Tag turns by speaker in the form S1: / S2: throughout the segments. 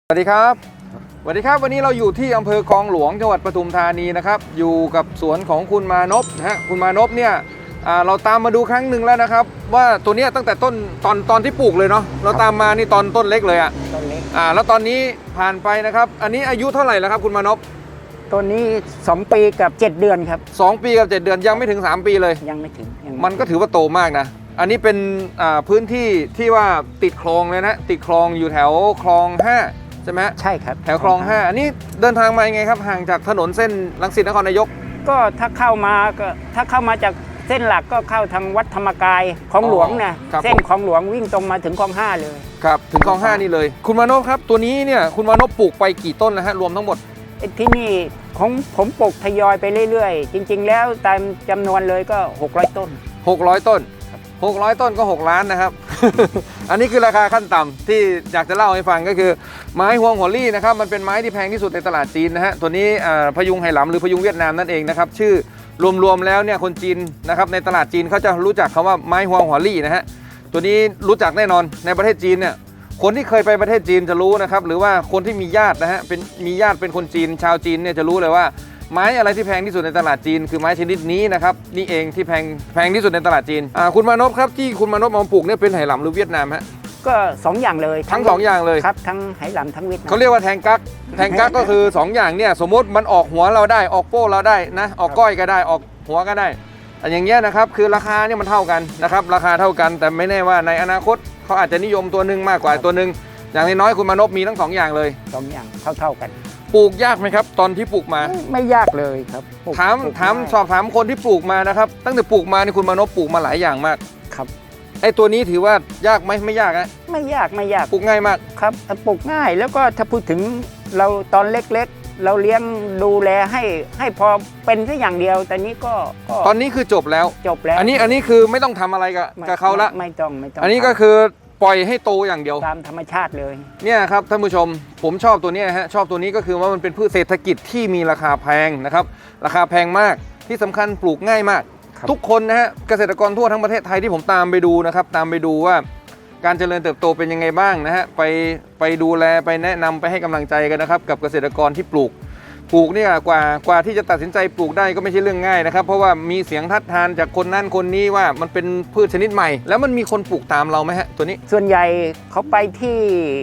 S1: สวัสดีครับวันนี้เราอยู่ที่อำเภอคลองหลวงจังหวัดปทุมธานีนะครับอยู่กับสวนของคุณมานพนะฮะคุณมานพเนี่ยเราตามมาดูครั้งหนึ่งแล้วนะครับว่าตัวเนี้ยตั้งแต่ต้นตอนที่ปลูกเลยเนาะเราตามมานี่ตอนต้นเล็กเลย
S2: ต้นเล็ก
S1: แล้วตอนนี้ผ่านไปนะครับอันนี้อายุเท่าไหร่แล้วครับคุณมานพ
S2: ต้นนี้2 ปีกับ7 เดือนครับ
S1: 2 ปีกับ7 เดือนยังไม่ถึง3 ปีเลย
S2: ยังไม่ถึง
S1: มันก็ถือว่าโตมากนะอันนี้เป็นพื้นที่ที่ว่าติดคลองเลยนะติดคลองอยู่แถวคลอง5ใช่ไหม
S2: ใช่ครับ
S1: แถวคลอง5อันนี้เดินทางมายังไงครับห่างจากถนนเส้นรังสิตนครนายก
S2: ก็ถ้าเข้ามาจากเส้นหลักก็เข้าทางวัดธรรมกายคลองหลวงนะเส้นคลองหลวงวิ่งตรงมาถึงคลอง5เลย
S1: ครับถึงคลอง5นี่เลยคุณมานพครับตัวนี้เนี่ยคุณมานพปลูกไปกี่ต้นแล้วฮะรวมทั้งหมด
S2: ที่นี่ของผมปลูกทยอยไปเรื่อยๆจริงๆแล้วตามจำนวนเลยก็600 ต้น
S1: 600 ต้น600 ต้นก็6 ล้านนะครับ อันนี้คือราคาขั้นต่ำที่อยากจะเล่าให้ฟังก็คือไม้ฮวงหัวลี่นะครับมันเป็นไม้ที่แพงที่สุดในตลาดจีนนะฮะตัวนี้พยุงไหหลำหรือพยุงเวียดนามนั่นเองนะครับชื่อรวมๆแล้วเนี่ยคนจีนนะครับในตลาดจีนเขาจะรู้จักคำว่าไม้ฮวงหัวลี่นะฮะตัวนี้รู้จักแน่นอนในประเทศจีนเนี่ยคนที่เคยไปประเทศจีนจะรู้นะครับหรือว่าคนที่มีญาตินะฮะมีญาติเป็นคนจีนชาวจีนเนี่ยจะรู้เลยว่าไม้อะไรที่แพงที่สุดในตลาดจีนคือไม้ชนิดนี้นะครับนี่เองที่แพงที่สุดในตลาดจีนคุณมานพครับที่คุณมานพมาปลูกเนี่ยเป็นไหหลำหรือเวียดนามฮะ
S2: ก็2 อย่างเลย
S1: ทั้ง2 อย่างเลย
S2: ครับทั้งไหหลำทั้งเวียดนาม
S1: เขาเรียกว่าแทงกั๊กก็คือ2 อย่างเนี่ยสมมติมันออกหัวเราได้ออกโป้เราได้นะออกก้อยก็ได้ออกหัวก็ได้อย่างเงี้ยนะครับคือราคาเนี่ยมันเท่ากันนะครับราคาเท่ากันแต่ไม่แน่ว่าในอนาคตเขาอาจจะนิยมตัวหนึ่งมากกว่าตัวหนึ่งอย่างน้อยคุณมานพมีทั้ง2 อย่างเลย
S2: 2 อย่างเท่ากัน
S1: ปลูกยากไหมครับตอนที่ปลูกมา
S2: ไม่ยากเลยครับ
S1: สอบถามคนที่ปลูกมานะครับตั้งแต่ปลูกมานี่คุณมานพปลูกมาหลายอย่างมาก
S2: ครับ
S1: ไอ้ตัวนี้ถือว่ายากไหมไม่ยากนะ
S2: ไม่ยาก
S1: ปลูกง่ายมาก
S2: ครับปลูกง่ายแล้วก็ถ้าพูดถึงเราตอนเล็กๆเราเลี้ยงดูแลให้พอเป็นแค่อย่างเดียวแต่นี้ก็
S1: ตอนนี้คือจบแล้วอันนี้คือไม่ต้องทำอะไรกับเขาละ
S2: ไม่ต้อง
S1: อันนี้ก็คือปล่อยให้โตอย่างเดียว
S2: ตามธรรมชาติเลย
S1: เนี่ยครับท่านผู้ชมผมชอบตัวนี้ฮะชอบตัวนี้ก็คือว่ามันเป็นพืชเศรษฐกิจที่มีราคาแพงนะครับราคาแพงมากที่สำคัญปลูกง่ายมากทุกคนนะฮะเกษตรกรทั่วทั้งประเทศไทยที่ผมตามไปดูนะครับตามไปดูว่าการเจริญเติบโตเป็นยังไงบ้างนะฮะไปดูแลไปแนะนำไปให้กำลังใจกันนะครับกับเกษตรกรที่ปลูกเนี่ยกว่าที่จะตัดสินใจปลูกได้ก็ไม่ใช่เรื่องง่ายนะครับเพราะว่ามีเสียงทัดทานจากคนนั้นคนนี้ว่ามันเป็นพืชชนิดใหม่แล้วมันมีคนปลูกตามเราไหมฮะตัวนี้
S2: ส่วนใหญ่เขาไปที่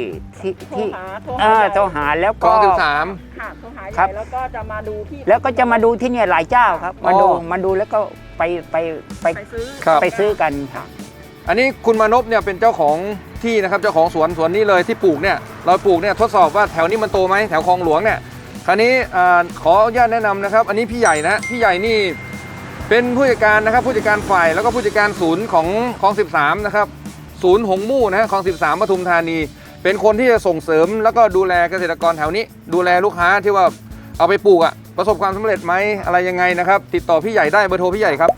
S2: โทรหาแล้วก็
S1: 13
S3: ค่ะโทรหาใหญ่แล้วก็จะมาดู
S2: ที่เนี่ยหลายเจ้าครับมาดูแล้วก็ไปซื้อกันครับ
S1: อันนี้คุณมานพเนี่ยเป็นเจ้าของที่นะครับเจ้าของสวนนี้เลยที่ปลูกเนี่ยเราปลูกเนี่ยทดสอบว่าแถวนี้มันโตไหมแถวคลองหลวงเนี่ยคราวนี้ขออนุญาตแนะนำนะครับอันนี้พี่ใหญ่นะพี่ใหญ่นี่เป็นผู้จัดการนะครับผู้จัดการฝ่ายแล้วก็ผู้จัดการศูนย์ของคลอง13นะครับศูนย์หงมู่นะคลอง13ปทุมธานีเป็นคนที่จะส่งเสริมแล้วก็ดูแลเกษตรกรแถวนี้ดูแลลูกค้าที่ว่าเอาไปปลูกประสบความสำเร็จไหมอะไรยังไงนะครับติดต่อพี่ใหญ่ได้เบอร์โทรพี่ใหญ่ครับ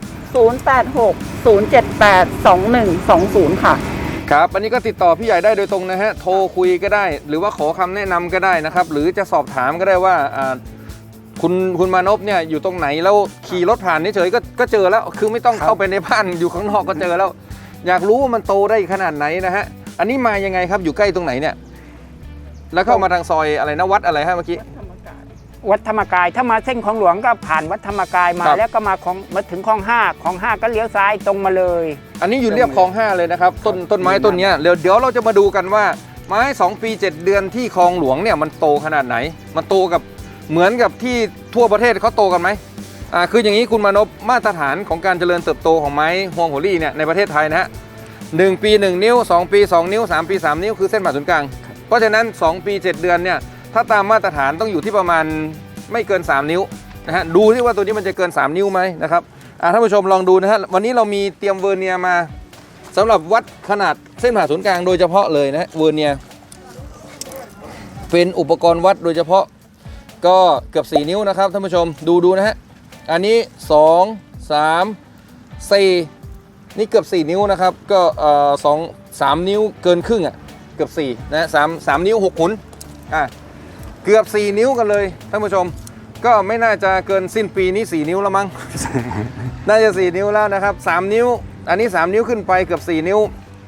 S3: 086 078 2120ค่ะ
S1: ครับอันนี้ก็ติดต่อพี่ใหญ่ได้โดยตรงนะฮะโทรคุยก็ได้หรือว่าขอคำแนะนำก็ได้นะครับหรือจะสอบถามก็ได้ว่าคุณมานพเนี่ยอยู่ตรงไหนแล้วขี่รถผ่านเฉยๆก็เจอแล้วคือไม่ต้องเข้าไปในบ้านอยู่ข้างนอกก็เจอแล้วอยากรู้ว่ามันโตได้ขนาดไหนนะฮะอันนี้มายังไงครับอยู่ใกล้ตรงไหนเนี่ยแล้วเข้ามาทางซอยอะไรนะวัดอะไรฮะเมื่อกี้
S2: วัดธรรมกายถ้ามาเส้นคลองหลวงก็ผ่านวัดธรรมกายมาแล้วก็มาถึงคลอง5ก็เลี้ยวซ้ายตรงมาเลย
S1: อันนี้อยู่เรียบคลอง5เลยนะครับต้นไม้ต้นนี้เดี๋ยวเราจะมาดูกันว่าไม้2 ปี 7 เดือนที่คลองหลวงเนี่ยมันโตขนาดไหนมันโตกับเหมือนกับที่ทั่วประเทศเขาโตกันไหมคืออย่างนี้คุณมานพมาตรฐานของการเจริญเติบโตของไม้ฮวงหัวลี่เนี่ยในประเทศไทยนะฮะ1 ปี 1 นิ้ว2 ปี 2 นิ้ว3 ปี 3 นิ้วคือเส้นผ่าศูนย์กลางเพราะฉะนั้น2 ปี 7 เดือนเนี่ยถ้าตามมาตรฐานต้องอยู่ที่ประมาณไม่เกิน3 นิ้วนะฮะดูที่ว่าตัวนี้มันจะเกิน3 นิ้วไหมนะครับท่านผู้ชมลองดูนะฮะวันนี้เรามีเตรียมเวอร์เนียมาสำหรับวัดขนาดเส้นผ่าศูนย์กลางโดยเฉพาะเลยนะฮะเวอร์เนียเป็นอุปกรณ์วัดโดยเฉพาะก็เกือบ4 นิ้วนะครับท่านผู้ชมดูนะฮะอันนี้2 3 4นี่เกือบ4 นิ้วนะครับก็3 นิ้วเกินครึ่งเกือบ4นะ3 นิ้ว6 ขุนเกือบ4 นิ้วกันเลยท่านผู้ชมก็ไม่น่าจะเกินสิ้นปีนี้4 นิ้วแล้วมั้ง น่าจะ4 นิ้วแล้วนะครับ3 นิ้วอันนี้3 นิ้วขึ้นไปเกือบ4 นิ้ว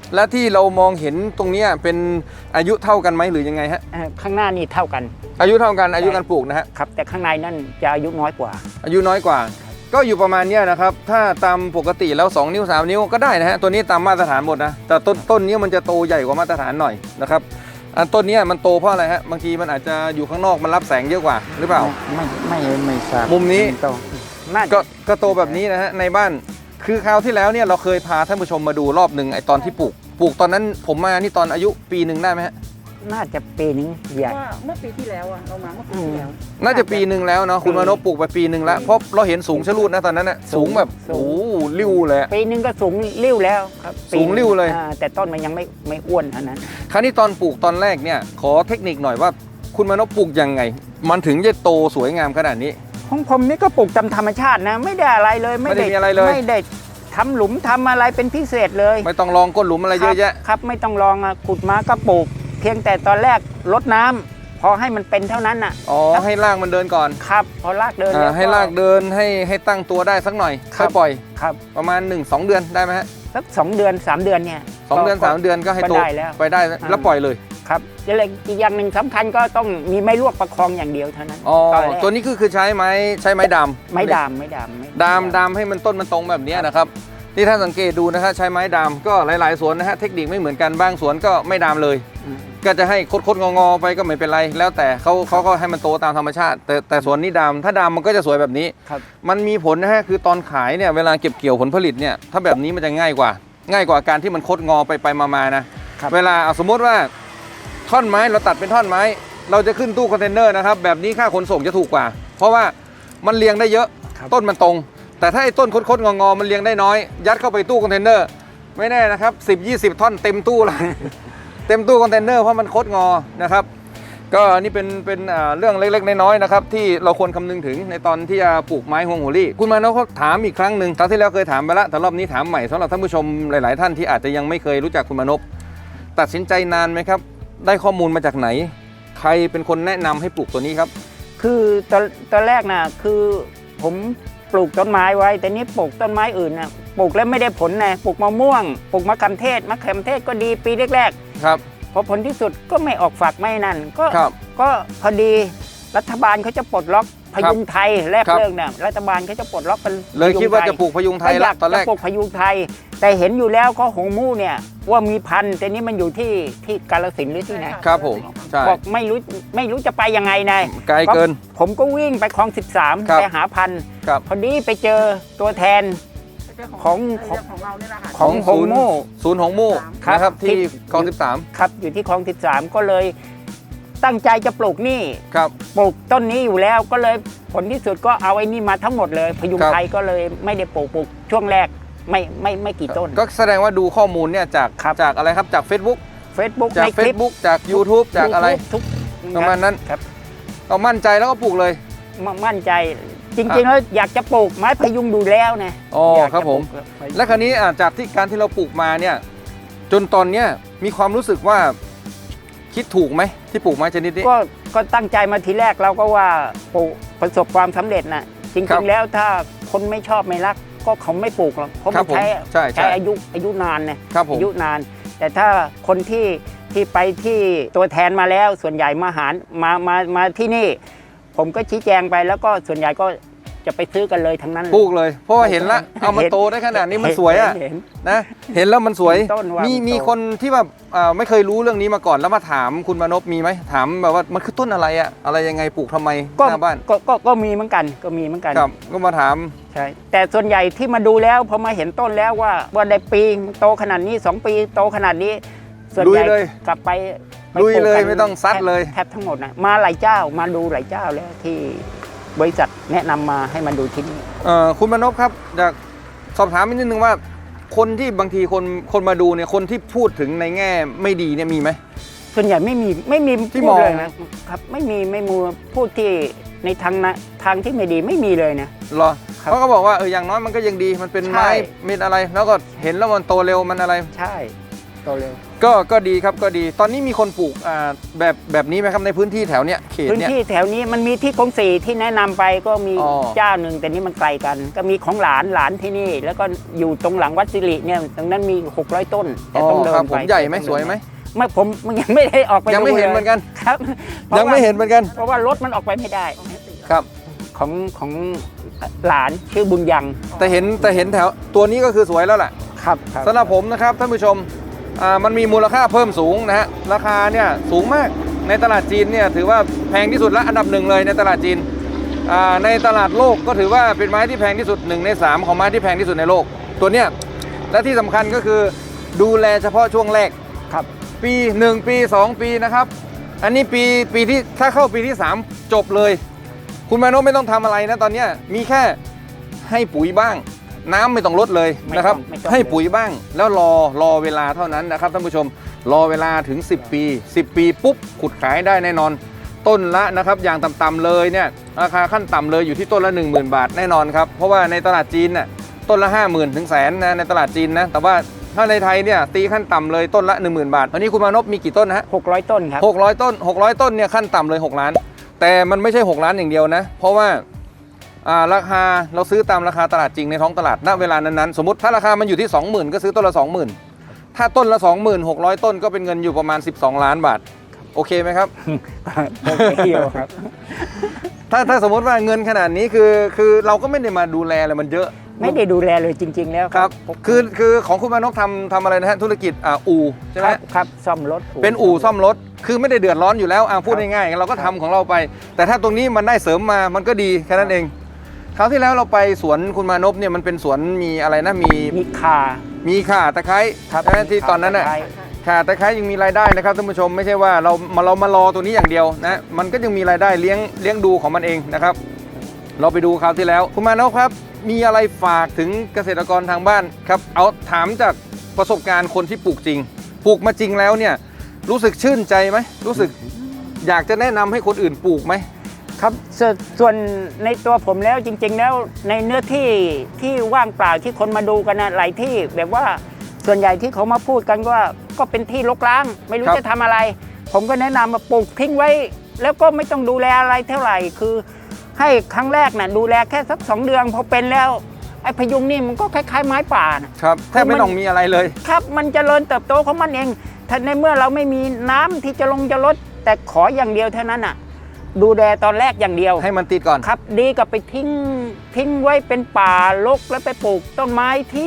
S1: และที่เรามองเห็นตรงเนี้ยเป็นอายุเท่ากันไหมหรือยังไงฮะ
S2: ข้างหน้านี่เท่ากัน
S1: อายุเท่ากันอายุการปลูกนะฮะ
S2: ครับแต่ข้างในนั่นจะอายุน้อยกว่า
S1: อายุน้อยกว่า ก็อยู่ประมาณเนี้ยนะครับถ้าตามปกติแล้ว2นิ้ว3นิ้วก็ได้นะฮะตัวนี้ตามมาตรฐานหมดนะแต่ต้นนี้มันจะโตใหญ่กว่ามาตรฐานหน่อยนะครับอันต้นนี้มันโตเพราะอะไรฮะบางทีมันอาจจะอยู่ข้างนอกมันรับแสงเยอะกว่าหรือเปล่า
S2: ไม่ทราบ
S1: มุมนี้
S2: โตน่าจะ
S1: ก็โตแบบนี้นะฮะในบ้านคือคราวที่แล้วเนี่ยเราเคยพาท่านผู้ชมมาดูรอบหนึ่งไอตอนที่ปลูกตอนนั้นผมมานี่ตอนอายุปีหนึ่งได้ไหมฮะ
S2: น่าจะปีนึงใหญ่
S3: ว่าเมื่อปีที่แล้วอะเรามาเมื่อปีที่แล้ว
S1: น่าจะปีหนึ่งแล้วเนาะคุณมานพปลูกไปปีหนึ่งแล้วเพราะเราเห็นสูงชะลูดนะตอนนั้นนะสูงแบบโอ้โหริ้วเลยอะ
S2: ปีนึงก็สูงริ้วแล้วครับ
S1: สูงริ้วเลย
S2: แต่ต้นมันยังไม่อ้วนเท่านั้น
S1: คราวนี้ตอนปลูกตอนแรกเนี่ยขอเทคนิคหน่อยว่าคุณมานพปลูกยังไง มันถึงจะโตสวยงามขนาดนี้
S2: ของผมนี่ก็ปลูกตามธรรมชาตินะไม่ได้อะไรเลย
S1: ไม่ได้มีอะไรเลย
S2: ไม่ได้ทำหลุมทำอะไรเป็นพิเศษเลย
S1: ไม่ต้องลองก้นหลุมอะไรเยอะแยะ
S2: ครับไม่ต้องลองอะขุดมาก็ปลูก เพียงแต่ตอนแรกรดน้ำพอให้มันเป็นเท่านั้นน่ะ
S1: อ๋อให้รากมันเดินก่อน
S2: ครับพอรากเดินแล้ว
S1: ให้รากเดินให้ตั้งตัวได้สักหน่อย
S2: ครั
S1: ค่อบ ยปล่อย
S2: ครับ
S1: ประมาณ 1-2 เดือนได้ไหมฮะ
S2: สัก2 เดือน 3 เดือนเนี่ย
S1: 2 เดือน 3 เดือนก็ให้โต
S2: ได้แล้ว
S1: ไปได้แล้วปล่อยเลย
S2: ครับแล้วอีกอย่างหนึ่งสำคัญก็ต้องมีไม้ลวกประคองอย่างเดียวเท่านั้น
S1: อ๋อ
S2: ตอนแรก
S1: ตัวนี้คือใช้ไม้ดาม
S2: ไม่ดาม
S1: ดามให้มันต้นมันตรงแบบนี้นะครับที่ท่านสังเกตดูนะฮะใช้ไม้ดามก็หลายๆสวนนะฮะเทคนิคไม่เหมือนกันบางสวนก็ไม่ดามเลย
S2: อืม
S1: ก็จะให้คดงอไปก็ไม่เป็นไร แล้วแต่เขาก็ให้มันโตตามธรรมชาติ แต่สวนนี้ดามถ้าดามมันก็จะสวยแบบนี้
S2: ครับ
S1: มันมีผลนะฮะคือตอนขายเนี่ยเวลาเก็บเกี่ยวผลผลิตเนี่ยถ้าแบบนี้มันจะง่ายกว่าการที่มันคดงอไปมานะครับ เวลาสมมติว่าท่อนไม้เราตัดเป็นท่อนไม้ เราจะขึ้นตู้คอนเทนเนอร์นะครับแบบนี้ค่าขนส่งจะถูกกว่า เพราะว่ามันเรียงได้เยอะ
S2: ครับ
S1: ต้นมันตรง แต่ถ้าไอ้ต้นคดงอมันเรียงได้น้อย ยัดเข้าไปตู้คอนเทนเนอร์ไม่แน่นะครับ10-20 ท่อนเต็มตู้เลย เต็มตู้คอนเทนเนอร์เพราะมันคดงอนะครับก็อันนี้เป็นเรื่องเล็กๆน้อยๆนะครับที่เราควรคำนึงถึงในตอนที่จะปลูกไม้ฮวงหัวลี่คุณมานพเขาถามอีกครั้งหนึ่งครั้งที่แล้วเคยถามไปแล้วแต่รอบนี้ถามใหม่สำหรับท่านผู้ชมหลายๆท่านที่อาจจะยังไม่เคยรู้จักคุณมานพตัดสินใจนานไหมครับได้ข้อมูลมาจากไหน ใครเป็นคนแนะนำให้ปลูกตัวนี้ครับ
S2: คือตอนแรกนะคือผมปลูกต้นไม้ไว้แต่นี้ปลูกต้นไม้อื่นนะปลูกแล้วไม่ได้ผลนะปลูกมะม่วงปลูกมะขามเทศก็ดีปีแรก
S1: ครับ
S2: ๆพอผลที่สุดก็ไม่ออกฝักไม่นั่นก็
S1: ครับ
S2: ก็พอดีรัฐบาลเขาจะปลดล็อกพยุงไทยแรก
S1: ครับ
S2: เรื่องเนี่ยรัฐบาลเขาจะปลดล็อกเป็น
S1: เลยคิดว่าจะปลูกพยุงไทย
S2: อ
S1: แล้
S2: ยาว ก
S1: ตอนแร
S2: จะ
S1: ก
S2: ปลูกพยุงไทย แต่เห็นอยู่แล้วก็หงมู่เนี่ยว่ามีพันธุ์แต่นี้มันอยู่ที่กาฬสินธุ์หรือที่ไหน
S1: ครับผมใช่
S2: บอกไม่รู้จะไปยังไงนาย
S1: ไกลเกิน
S2: ผมก็วิ่งไปคลอง 13
S1: ครับ
S2: ไปหาพันธุ์
S1: ครับ
S2: พอดีไปเจอตัวแทน ของ
S3: ของเราเนี่ยแหละค่ะ
S2: ของหงมู่
S1: ศูนย์หงมู่
S2: ครับ
S1: นะครับที่
S2: ที่
S1: คลอง
S2: ครับอยู่ที่คลอง 13 ก็เลยตั้งใจจะปลูกนี่
S1: 13ครับ
S2: ปลูกต้นนี้อยู่แล้วก็เลยผลที่สุดก็เอาไอ้นี่มาทั้งหมดเลยพยุง
S1: ครับ
S2: ไทยก็เลยไม่ได้ปลูกช่วงแรกไม่กี่ต้น
S1: ก็แสดงว่าดูข้อมูลเนี่ยจาก
S2: ครับ
S1: จากอะไรครับจาก Facebook
S2: Facebook
S1: จาก
S2: ในคลิป
S1: Facebook จาก YouTube จากอะไร
S2: ทุก
S1: ประมาณนั้น
S2: ครับ
S1: เรามั่นใจแล้วก็ปลูกเลย
S2: มั่นใจจริงๆแล้วอยากจะปลูกไม้พยุงดูแล้วนะ
S1: อ๋อ
S2: อยากจะ
S1: ครับผม
S2: ปลูกพยุง
S1: และคราวนี้จากที่การที่เราปลูกมาเนี่ยจนตอนเนี้ยมีความรู้สึกว่าคิดถูกไหมที่ปลูกไม้ชนิดนี้
S2: ก็ตั้งใจมาทีแรกเราก็ว่าปลูกประสบความสำเร็จนะจ
S1: ครั
S2: ริ
S1: บ
S2: งๆแล้วถ้าคนไม่ชอบไม่รักก็เขาไม่ปลูกหรอกเพราะ
S1: ครั
S2: มั
S1: บ
S2: น
S1: ผม
S2: ใช้
S1: ใช่
S2: อายุนานนะครับ
S1: ผม
S2: อายุนาน แต่ถ้าคนที่ไปที่ตัวแทนมาแล้วส่วนใหญ่มาที่นี่ ผมก็ชี้แจงไปแล้วก็ส่วนใหญ่ก็จะไปซื้อกันเลยทั้งนั้นเลย
S1: ปลูกเลย เพราะว่าเห็นละเอามาโตได้ขนาดนี้มันสวยอ่ะ
S2: เห็น
S1: นะเห็นแล้วมันสวย
S2: เห็นต้นว่ามัน
S1: มี
S2: โต
S1: คนที่แบบไม่เคยรู้เรื่องนี้มาก่อนแล้วมาถามคุณมานพมีไหมถามแบบว่ามันคือต้นอะไรอะอะไรยังไงปลูกทำไม
S2: ก็
S1: หน้าบ้าน
S2: ก็มีเหมือนกัน
S1: ครับก็มาถาม
S2: ใช่แต่ส่วนใหญ่ที่มาดูแล้วพอมาเห็นต้นแล้วว่าได้ปีโตขนาดนี้2 ปีโตขนาดนี้ ส่วนใหญ่
S1: ลุยเลย
S2: กลับไป
S1: ลุยเลย
S2: ปกัน
S1: ไม่ต้องซัดเลย
S2: แทบทั้งหมดนะมาหลายเจ้ามาดูหลายเจ้าแล้วที่บริษัทแนะนำมาให้มาดูที่นี่
S1: คุณมานพครับอยากสอบถามนิดนึงว่า คนที่บางทีคนมาดูเนี่ยคนที่พูดถึงในแง่ไม่ดีเนี่ยมีไหม
S2: ส่วนใหญ่ไม่มี
S1: ที่
S2: พู
S1: ม
S2: ด
S1: อง
S2: เลยนะครับไม่มีพูดที่ในทางที่ไม่ดีไม่มีเลยนะ
S1: เหรอ
S2: ครับ
S1: เขาก็บอกว่าอย่างน้อยมันก็ยังดีมันเป็น
S2: ใช่
S1: ไม้เม็ดอะไร แล้วก็เห็นแล้วมันโตเร็วมันอะไร
S2: ใช่เร็ว
S1: ก็ดีครับก็ดีตอนนี้มีคนปลูกแบบนี้ไหมครับในพื้นที่แถวเนี้ยเขต
S2: พื้น
S1: เนี้ย
S2: ที่แถวนี้มันมีที่คลองสี่ที่แนะนำไปก็มี
S1: อ๋อ
S2: เจ้าหนึ่งแต่นี่มันไกลกัน ก็มีของหลานที่นี่ แล้วก็อยู่ตรงหลังวัดสิริเนี่ยตรงนั้นมี600 ต้นแต่ต้องเดิน
S1: ครับ
S2: ไป
S1: ผมใหญ่ไหมสวยไหม
S2: ไม่ผมยังไม่ได้ออกไป
S1: ยังไม่
S2: ดู
S1: เห็น
S2: ล
S1: เหมือนกัน
S2: ครับ
S1: ยังไม่เห็นเหมือนกัน
S2: เพราะว่ารถมันออกไปไม่ได้
S1: ครับ
S2: ของหลานชื่อบุญยัง
S1: แต่เห็นแถวตัวนี้ก็คือสวยแล้วแหละ
S2: ครับ
S1: สำหรับผมนะครับท่านผู้ชมมันมีมูลค่าเพิ่มสูงนะฮะราคาเนี่ยสูงมากในตลาดจีนเนี่ยถือว่าแพงที่สุดและอันดับหนึ่งเลยในตลาดจีนในตลาดโลกก็ถือว่าเป็นไม้ที่แพงที่สุด1 ใน 3ของไม้ที่แพงที่สุดในโลกตัวเนี้ยและที่สำคัญก็คือดูแลเฉพาะช่วงแรก
S2: ครับ
S1: ปี1ปี2ปีนะครับอันนี้ปีที่ถ้าเข้าปีที่3จบเลยคุณมานพไม่ต้องทำอะไรนะตอนเนี้ยมีแค่ให้ปุ๋ยบ้างน้ำไม่ต้องลดเลยนะครับ
S2: ไม่ต้อง
S1: ให้ปุ๋ยบ้างแล้วรอเวลาเท่านั้นนะครับท่านผู้ชมรอเวลาถึง10 ปี10 ปีปุ๊บขุดขายได้แน่นอน ต้นละนะครับอย่างต่ำๆเลยเนี่ยราคาขั้นต่ำเลยอยู่ที่ต้นละ 10,000 บาทแน่นอนครับเพราะว่าในตลาดจีนน่ะต้นละ 50,000 ถึงแสนนะในตลาดจีนนะแต่ว่าถ้าในไทยเนี่ยตีขั้นต่ำเลยต้นละ 10,000 บาทวันนี้คุณมานพมีกี่ต้นนะฮะ
S2: 600 ต้นครับ
S1: 600 ต้น600 ต้นเนี่ยขั้นต่ำเลย6 ล้าน แต่มันไม่ใช่6 ล้านอย่างเดียวนะเพราะว่าราคาเราซื้อตามราคาตลาดจริงในท้องตลาดณเวลานั้นๆสมมติถ้าราคามันอยู่ที่ 20,000 ก็ซื้อต้นละ 20,000 ถ้าต้นละ 20,600 ต้นก็เป็นเงินอยู่ประมาณ12 ล้านบาทโอเคไหมครับ
S2: โอเคอยู่ครับ
S1: ถ้าสมมติว่าเงินขนาดนี้คือเราก็ไม่ได้มาดูแลอะไรมันเยอะ
S2: ไม่ได้ดูแลเลยจริง ๆ แล้ว
S1: ครับคือของคุณมานพทำอะไรนะฮะธุรกิจอู่ใช่ไหม
S2: ครับซ่อมรถ
S1: เป็นอู่ซ่อมรถคือไม่ได้เดือดร้อนอยู่แล้วพูดง่ายๆเราก็ทำของเราไป แต่ถ้าตรงนี้มันได้เสริมมามันก็ดีแค่นั้นเองคราวที่แล้วเราไปสวนคุณมานพเนี่ยมันเป็นสวนมีอะไรนะมี
S2: ข่า
S1: ตะไคร้
S2: ครับ
S1: นะที่ตอนนั้นน่ะ
S2: ข่า
S1: ข่าตะไคร้ยังมีรายได้นะครับท่านผู้ชมไม่ใช่ว่าเรามารอตัวนี้อย่างเดียวนะมันก็ยังมีรายได้เลี้ยงดูของมันเองนะครับเราไปดูคราวที่แล้วคุณมานพครับมีอะไรฝากถึงเกษตรกรทางบ้านครับเอาถามจากประสบการณ์คนที่ปลูกจริงปลูกมาจริงแล้วเนี่ยรู้สึกชื่นใจไหมรู้สึกอยากจะแนะนำให้คนอื่นปลูกไหม
S2: ครับส่วนในตัวผมแล้วจริง ๆ แล้วในเนื้อที่ว่างเปล่าที่คนมาดูกันนะหลายที่แบบว่าส่วนใหญ่ที่เขามาพูดกันก็เป็นที่รกร้างไม่รู้จะทำอะไร ผมก็แนะนำมาปลูกทิ้งไว้ แล้วก็ไม่ต้องดูแลอะไรเท่าไหร่คือให้ครั้งแรกน่ะดูแลแค่สัก2 เดือนพอเป็นแล้วไอ้พยุงนี่มันก็คล้ายๆไม้ป่านะครับ
S1: แทบไม่ต้องมีอะไรเลย
S2: ครับมันเจริญเติบโตของมันเองถ้าในเมื่อเราไม่มีน้ำที่จะลดแต่ขออย่างเดียวเท่านั้นน่ะดูแลตอนแรกอย่างเดียว
S1: ให้มันติดก่อน
S2: ครับดีกับไปทิ้งไว้เป็นป่ารกแล้วไปปลูกต้นไม้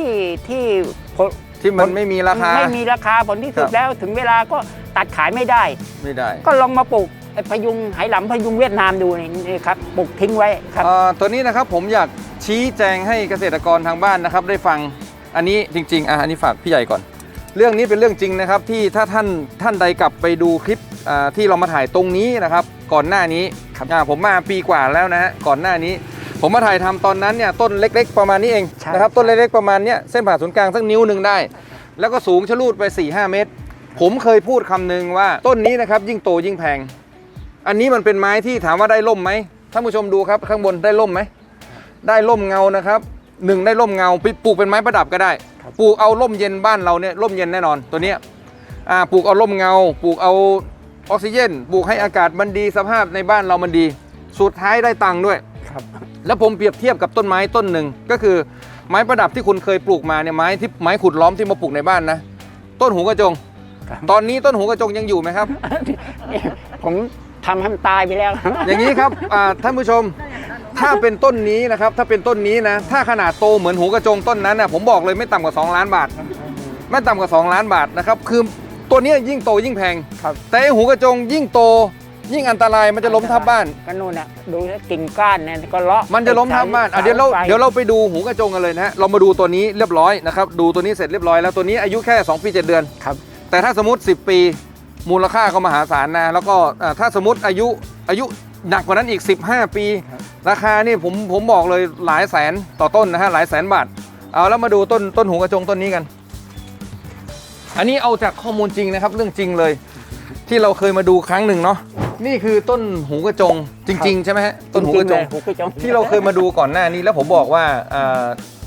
S2: ที่
S1: มันไม่มีราคา
S2: ไม่มีราคาผลที่สุด
S1: ครับ
S2: แล้วถึงเวลาก็ตัดขายไม่ได้ ก็ลองมาปลูกไอ้พยุงไหหลำพยุงเวียดนามดูนี่ครับปลูกทิ้งไว้ครับ
S1: ตัวนี้นะครับผมอยากชี้แจงให้เกษตรกรทางบ้านนะครับได้ฟังอันนี้จริงๆอันนี้ฝากพี่ใหญ่ก่อน เรื่องนี้เป็นเรื่องจริงนะครับที่ถ้าท่านใดกลับไปดูคลิปที่เรามาถ่ายตรงนี้นะครับก่อนหน้านี้ผมมาปีกว่าแล้วนะฮะก่อนหน้านี้ ผมมาถ่ายทำตอนนั้นเนี่ยต้นเล็กๆประมาณนี้เอง
S2: ใช่
S1: นะครับต้นเล็กๆประมาณเนี้ยเส้นผ่าศูนย์กลางสักนิ้วหนึ่งได้ แล้วก็สูงชะลูดไป 4-5 เมตร ผมเคยพูดคำหนึ่งว่าต้นนี้นะครับยิ่งโตยิ่งแพงอันนี้มันเป็นไม้ที่ถามว่าได้ร่มไหมท่านผู้ชมดูครับข้างบนได้ร่มไหมได้ร่มเงานะครับ1ได้ร่มเงาปลูกเป็นไม้ประดับก็ได้ปลูกเอาร่มเย็นบ้านเราเนี่ยร่มเย็นแน่นอนตัวเนี้ยปลูกเอาร่มเงาปลูกเอาออกซิเจนปลูกให้อากาศมันดีสภาพในบ้านเรามันดีสุดท้ายได้ตังค์ด้วย
S2: ครับ
S1: แล้วผมเปรียบเทียบกับต้นไม้ต้นหนึ่งก็คือไม้ประดับที่คุณเคยปลูกมาเนี่ยไม้ขุดล้อมที่มาปลูกในบ้านนะต้นหูกระจง
S2: ครับ
S1: ตอนนี้ต้นหูกระจงยังอยู่ไหมครับ
S2: ผมทำให้มันตายไปแล้ว
S1: อย่างนี้ครับท่านผู้ชมถ้าเป็นต้นนี้นะครับถ้าเป็นต้นนี้นะถ้าขนาดโตเหมือนหูกระจงต้นนั้นนะผมบอกเลยไม่ต่ำกว่า2 ล้านบาทไม่ต่ำกว่า2 ล้านบาทนะครับคือตัวนี้ยิ่งโตยิ่งแพง
S2: ครับ
S1: แต่ไอ้หูกระจงยิ่งโตยิ่งอันตรายมันจะล้มทับบ้าน
S2: ก็นู่นน่ะดูแล้วกิ่งก้านเนี่ยก็เลาะ
S1: มันจะล้มทับบ้านเดี๋ยวเราไปดูหูกระจงกันเลยนะฮะเรามาดูตัวนี้เรียบร้อยนะครับดูตัวนี้เสร็จเรียบร้อยแล้วตัวนี้อายุแค่2 ปี 7 เดือน
S2: ครับ
S1: แต่ถ้าสมมติ10 ปีมูลค่าก็มหาศาลนะแล้วก็ถ้าสมมติอายุหนักกว่านั้นอีก15 ปี ราคานี่ผมบอกเลยหลายแสนต่อต้นนะฮะหลายแสนบาทเอาแล้วมาดูต้นหูกระจงต้นนี้กัน อันนี้เอาจากข้อมูลจริงนะครับเรื่องจริงเลย ที่เราเคยมาดูครั้งหนึ่งเนาะนี่คือต้นหูกระจงจริงๆใช่ไหมฮะต้นหูกระจง
S2: หูกระจง
S1: ที่เราเคยมาดูก่อนหน้านี้แล้วผมบอกว่า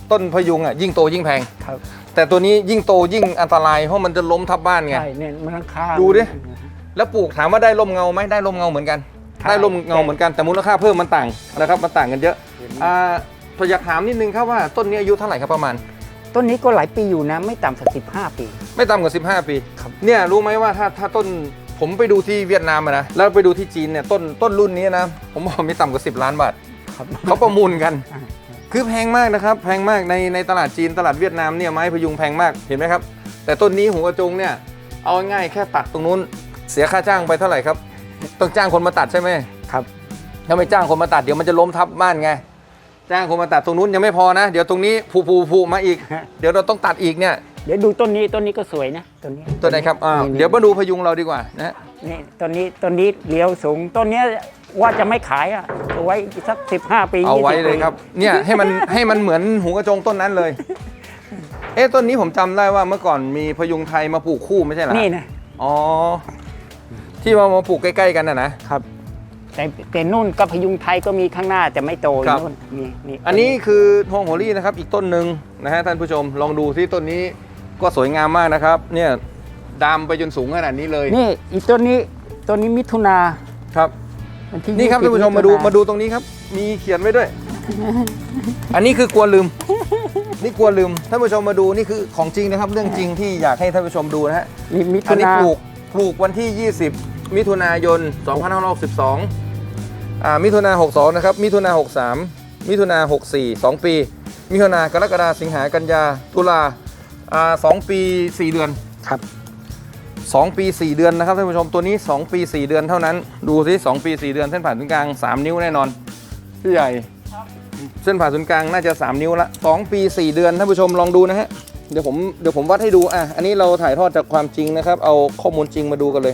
S1: ต้นพยุงอ่ะยิ่งโตยิ่งแพง
S2: ครับ
S1: แต่ตัวนี้ยิ่งโตยิ่งอันตรายเพราะมันจะล้มทับบ้านไง
S2: ใช่เนี่ยมันค่า
S1: ดูดิ แล้วปลูกถามว่าได้ร่มเงาไหมได้ร่มเงาเหมือนกัน
S2: ใช่
S1: ได้ร่มเงาเหมือนกันแต่มูลค่าเพิ่มมันต่างนะครับมันต่างกันเยอะอยากถามนิดนึงครับว่าต้นนี้อายุเท่าไหร่ครับประมาณ
S2: ต้นนี้ก็หลายปีอยู่นะ ไม่ต่ำสัก15 ปี
S1: ไม่ต่ำกว่า15 ปี
S2: ครับ
S1: เนี่ยรู้ไหมว่าถ้าต้นผมไปดูที่เวียดนามอะนะแล้วไปดูที่จีนเนี่ยต้นรุ่นนี้นะผมบอกไม่ต่ำกว่า10 ล้านบาท
S2: ครับ
S1: เขาประมูลกัน
S2: อ่า
S1: คือแพงมากนะครับแพงมากในตลาดจีนตลาดเวียดนามเนี่ยไม้พยุงแพงมากเห็นไหมครับแต่ต้นนี้หัวกระจงเนี่ยเอาง่ายๆแค่ตัดตรงนู้นเสียค่าจ้างไปเท่าไหร่ครับต้องจ้างคนมาตัดใช่ไหม
S2: ครับ
S1: ถ้าไม่จ้างคนมาตัดเดี๋ยวมันจะล้มทับบ้านไงจ้างคนมาตัดตรงนู้นยังไม่พอนะ เดี๋ยวตรงนี้ผูมาอีก เดี๋ยวเราต้องตัดอีกเนี่ย
S2: เดี๋ยวดูต้นนี้ก็สวยนะต้นนี้
S1: ตัวไหนครับ
S2: นี่
S1: เดี๋ยวมาดูพยุงเราดีกว่านะฮะ
S2: นี่ต้นนี้เลี้ยวสูงต้นเนี้ยว่าจะไม่ขายอ่ะเอาไว้สัก15 ปี
S1: เอาไว้
S2: 20
S1: เลยครับเนี่ยให้มันเหมือนหูกระจงต้นนั้นเลยต้นนี้ผมจำได้ว่าเมื่อก่อนมีพยุงไทยมาปลูกคู่ไม่ใช่เหรอ
S2: นี่นะ
S1: อ๋อที่มาปลูกใกล้ๆกันนะครับ
S2: แต่นู่นก็พยุงไทยก็มีข้างหน้าแต่ไม่โต
S1: ครับ
S2: นู่นนี่
S1: อันนี้คือฮวงโหรี่นะครับอีกต้นหนึ่งนะฮะท่านผู้ชมลองดูที่ต้นนี้ก็สวยงามมากนะครับเนี่ยดามไปจนสูงขนาดนี้เลย
S2: นี่อีกต้นนี้มิถุนา
S1: ครับ
S2: วันที่
S1: นี่ครับ
S2: 20
S1: ท่านผู้ชมมาดูตรงนี้ครับมีเขียนไว้ด้วย อันนี้คือกลัวลืมนี่กลัวลืมท่านผู้ชมมาดูนี่คือของจริงนะครับเรื่องจริงที่อยากให้ท่านผู้ชมดูนะฮะ
S2: นี่มิ
S1: อั
S2: ถุ
S1: นนี้
S2: นา
S1: ปลูกวันที่ 20 มิถุนายน 2562มิถุนา62นะครับมิถุนา63มิถุนา64 2 ปีมิถุนากรกฎาสิงหากันยาตุลา2 ปี 4 เดือน
S2: ครับ
S1: 2 ปี 4 เดือนนะครับท่านผู้ชมตัวนี้ 2 ปี 4 เดือนเท่านั้นดูสิ2 ปี 4 เดือนเส้นผ่านศูนย์กลาง 3 นิ้วแน่นอนพี่ใหญ่เส้นผ่านศูนย์กลางน่าจะ 3 นิ้วละ2 ปี 4 เดือนท่านผู้ชมลองดูนะฮะเดี๋ยวผมวัดให้ดูอันนี้เราถ่ายทอดจากความจริงนะครับเอาข้อมูลจริงมาดูกันเลย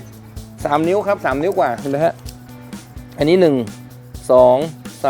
S1: 3 นิ้วครับ3 นิ้วกว่าเห็นไหมฮะอันนี้1 2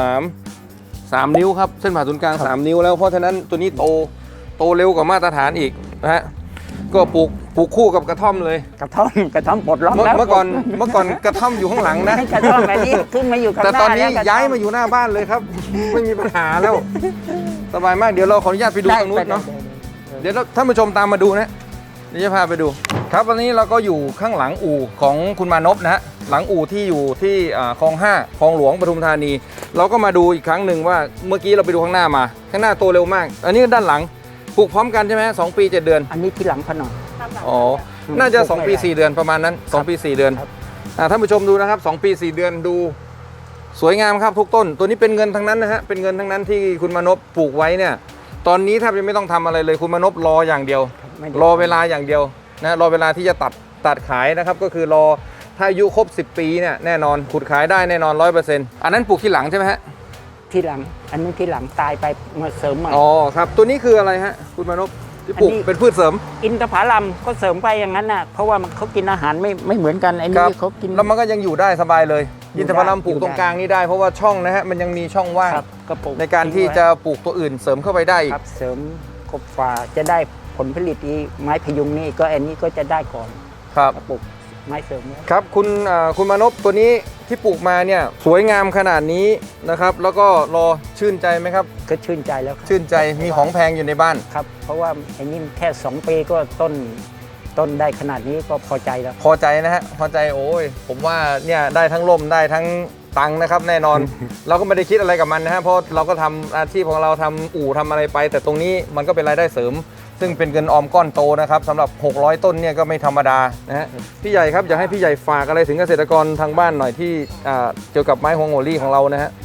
S1: 3 นิ้วครับเส้นผ่านศูนย์กลาง 3 นิ้วแล้วเพราะฉะนั้นตัวนี้โตเร็วกว่ามาตรฐานอีกนะฮะก็ปลูกคู่กับกระท่อมเลย
S2: กระท่อมปลดล็อกแล้ว
S1: เมื่อก่อนกระท่อมอยู่ข้างหลังนะ
S2: กระท่อมอันนี้ขึ้นมาอยู่ข้างห
S1: แต่
S2: น้า
S1: ตอนนี้
S2: แล้วกระท่อ
S1: ย้ายมาอยู่หน้าบ้านเลยครับ ไม่มีปัญหาแล้ว สบายมากเดี๋ยวเราขออนุญาตไปดูตรงนู้นเนาะเดี๋ยวท่านผู้ชมตามมาดูนะเดี๋ยวจะพาไปดู ครับวันนี้เราก็อยู่ข้างหลังอู่ของคุณมานพนะฮะหลังอู่ที่อยู่ที่คลอง 5คลองหลวงปทุมธานี เราก็มาดูอีกครั้งหนึ่งว่าเมื่อกี้เราไปดูข้างหน้ามาข้างหน้าโตเร็วมาก อันนี้ด้านหลังปลูกพร้อมกันใช่ไหม2 ปี 7 เดือน
S2: อันนี้ที่หลังพอหน่อย
S1: อ๋อ น่าจะ 2 ปี 4 เดือนประมาณนั้น 2 ปี 4 เดือน
S2: ครับ
S1: ท่านผู้ชมดูนะครับ 2 ปี 4 เดือนดูสวยงามครับทุกต้น ตัวนี้เป็นเงินทั้งนั้นนะฮะ เป็นเงินทั้งนั้นที่คุณมานพปลูกไว้เนี่ย ตอนนี้แทบจะไม่ต้องทำอะไรเลยคุณมานพรออย่างเดียว
S2: ไม่ได้
S1: รอเวลาอย่างเดียวนะรอเวลาที่จะตัดขายนะครับ ก็คือรอถ้าอายุครบ 10 ปีเนี่ยแน่นอนขุดขายได้แน่นอน 100%อันนั้นปลูกที่หลังใช่ไหมฮะ
S2: ที่หลัง อันนี้ที่หลังตายไปมาเสริมใหม่
S1: อ๋อครับ ตัวนี้คืออะไรฮะคุณมานพที่ปลูก
S2: อันนี้
S1: เป็นพืชเสริม
S2: อินทผลัมก็เสริมไปอย่างนั้นน่ะเพราะว่าเขากินอาหารไม่เหมือนกันไอ้
S1: ครั
S2: นี่
S1: บ
S2: เขากิน
S1: แล้วมันก็ยังอยู่ได้สบายเลย
S2: อยู่
S1: อินทผลัมปลูก
S2: ได้
S1: ตรงกลางนี้ได้เพราะว่าช่องนะฮะมันยังมีช่องว่าง
S2: ครับกระปุก
S1: ในการที่จะปลูกตัวอื่นเสริมเข้าไปได้อีก
S2: ครับเสริมกบฟ้าจะได้ผลผลิตที่ไม้พยุงนี่ก็อันนี้ก็จะได้ก่อน
S1: ครับ
S2: กระปุกไม้เสริมไว้
S1: ครับคุณมานพตัวนี้ที่ปลูกมาเนี่ยสวยงามขนาดนี้นะครับ แล้วก็รอชื่นใจไหมครับ
S2: ก็ชื่นใจแล้วครับ
S1: ชื่นใจมีของแพงอยู่ในบ้าน
S2: ครับ เพราะว่าไอ้นี่แค่2 ปีก็ต้นได้ขนาดนี้ก็พอใจแล้ว
S1: พอใจนะฮะพอใจโอ้ยผมว่าเนี่ยได้ทั้งร่มได้ทั้งตังค์นะครับแน่นอน เราก็ไม่ได้คิดอะไรกับมันนะฮะเพราะเราก็ทำอาชีพของเราทำอู่ทำอะไรไป แต่ตรงนี้มันก็เป็นรายได้เสริม ซึ่งเป็นเงินออมก้อนโตนะครับสำหรับ600 ต้นเนี่ยก็ไม่ธรรมดานะฮะพี่ใหญ่ครับอยากให้พี่ใหญ่ฝากอะไรถึงเกษตรกรทางบ้านหน่อยที่เกี่ยวกับไม้ฮวงโหรี่ของเรานะฮะ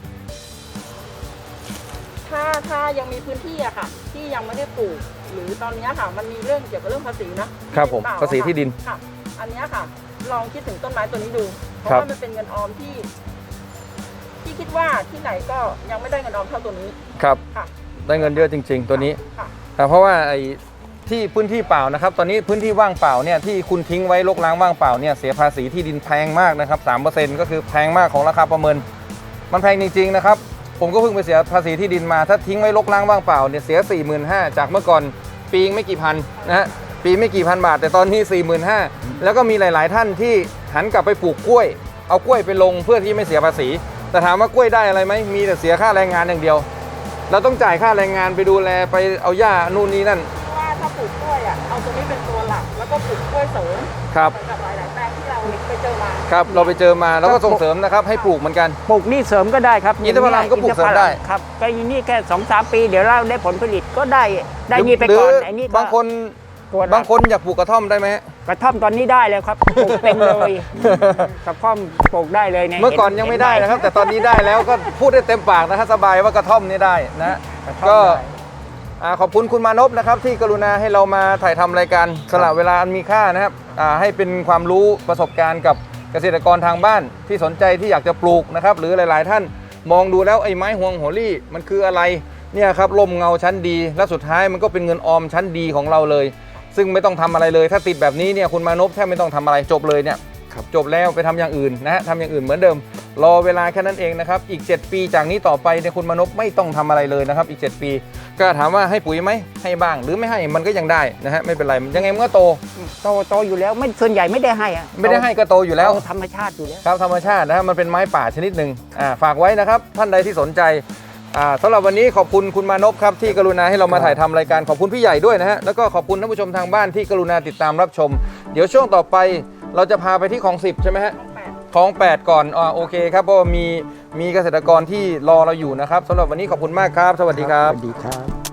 S3: ถ้ายังมีพื้นที่อะค่ะ ที่ยังไม่ได้ปลูก หรือตอนเนี้ยค่ะ มันมีเรื่องเกี่ยวกับเรื่องภาษีนะครับ
S1: ผม
S3: เปล่
S1: ภาษีที่ดิน
S3: ค่ะ อันเนี้ยค่ะ ลองคิดถึงต้นไม้ตัวนี้ดู เพราะ
S1: ครับ
S3: ว่ามันเป็นเงินออมที่คิดว่าที่ไหนก็ยังไม่ได้เงินออมเท่าตัวนี้
S1: ครับ
S3: ค่ะ
S1: ได้เงินเยอะจริง ๆ ตัวนี้
S3: ค่ะ
S1: เพราะว่าไอ้ที่พื้นที่เปล่านะครับตอนนี้พื้นที่ว่างเปล่าเนี่ยที่คุณทิ้งไว้รกร้างว่างเปล่าเนี่ยเสียภาษีที่ดินแพงมากนะครับ 3% ก็คือแพงมากของราคาประเมิน มันแพงจริงๆนะครับผมก็เพิ่งไปเสียภาษีที่ดินมาถ้าทิ้งไว้รกร้างว่างเปล่าเนี่ยเสีย 45,000 จากเมื่อก่อนปีไม่กี่พันนะฮะปีไม่กี่พันบาท แต่ตอนนี้ 45,000 แล้วก็มีหลายๆท่านที่หันกลับไปปลูกกล้วยเอากล้วยไปลงเพื่อที่ไม่เสียภาษีแต่ถามว่ากล้วยได้อะไรไหมมีแต่เสียค่าแรงงานอย่างเดียวเราต้องจ่ายค่าแรงงานไปดูแลไปเอาหญ้านู่นนี่นั่น
S3: ว่าถ้าปลูกกล้วยอ่ะเอาตัวนี้เป็นตัวหลักแล้วก็ปลูกกล้วยเสริม
S1: ครับ
S3: เหมือนกับหลายๆแปลงที่เราไปเจอมา
S1: ครับเราไปเจอมาแล้วก็ส่งเสริมนะครับให้ปลูกเหมือนกัน
S2: ปลูกนี่เสริมก็ได้ครับ
S1: อินทผลัมก็ปลูกเสริมได้
S2: ครับก็อีนี่แค่2-3 ปีเดี๋ยวเราได้ผลผลิตก็ได้นี่ไปก่อน
S1: หรื
S2: ไอ้นี่ก็
S1: บางคน
S2: ตัวละ
S1: บางคนอยากปลูกกระท่อมได้ไหมฮะ
S2: กระท่อมตอนนี้ได้แล้วครับปลูกเต็มเลยกระท่อมปลูกได้เลยเนี่ย
S1: เมื่อก่อนยังไม่ได้นะครับ แต่ตอนนี้ได้แล้วก็พูดได้เต็มปากนะฮะสบายว่ากระท่อมนี่ได้นะ
S2: กระท่อม
S1: ก็
S2: ได้
S1: ขอบคุณคุณมานพนะครับที่กรุณาให้เรามาถ่ายทำรายการสละเวลาอันมีค่านะครับให้เป็นความรู้ประสบการณ์กับเกษตรกรทางบ้านที่สนใจที่อยากจะปลูกนะครับหรือหลาย ๆ ท่านมองดูแล้วไอ้ไม้ห่วงหัวลี่มันคืออะไรเนี่ยครับร่มเงาชั้นดี และสุดท้ายมันก็เป็นเงินออมชั้นดีของเราเลย ซึ่งไม่ต้องทำอะไรเลยถ้าติดแบบนี้เนี่ยคุณมานพแทบไม่ต้องทำอะไรจบเลยเนี่ยจบแล้วไปทำอย่างอื่นนะฮะทำอย่างอื่นเหมือนเดิมรอเวลาแค่นั้นเองนะครับอีก7 ปีจากนี้ต่อไปเนี่ยคุณมานพไม่ต้องทำอะไรเลยนะครับอีก7 ปีก็ถามว่าให้ปุ๋ยไหมให้บ้างหรือไม่ให้มันก็ยังได้นะฮะไม่เป็นไรยังไงมันก็โต
S2: โตอยู่แล้วไม่ส่วนใหญ่ไม่ได้ให้อะ
S1: ไม่ได้ให้ก็โตอยู่แล้ว
S2: ธรรมชาติอยู่แล้ว
S1: ครับธรรมชาตินะฮะมันเป็นไม้ป่าชนิดหนึ่งฝากไว้นะครับท่านใดที่สนใจสำหรับวันนี้ขอบคุณคุณมานพครับที่กรุณาให้เรามาถ่ายทำรายการขอบคุณพี่ใหญ่ด้วยนะฮะแล้วก็ขอบคุณท่านผู้ชมทางบ้านที่กรุณาติดตามรับชม เดี๋ยวช่วงต่อไปเราจะพาไปที่คลอง 10ใช่ไหมฮะคลอง 8ก่อนโอเคครับเพราะว่ามีเกษตรกรที่รอเราอยู่นะครับสำหรับวันนี้ขอบคุณมากครับสวัสดีครับ
S2: สวัสดีครับ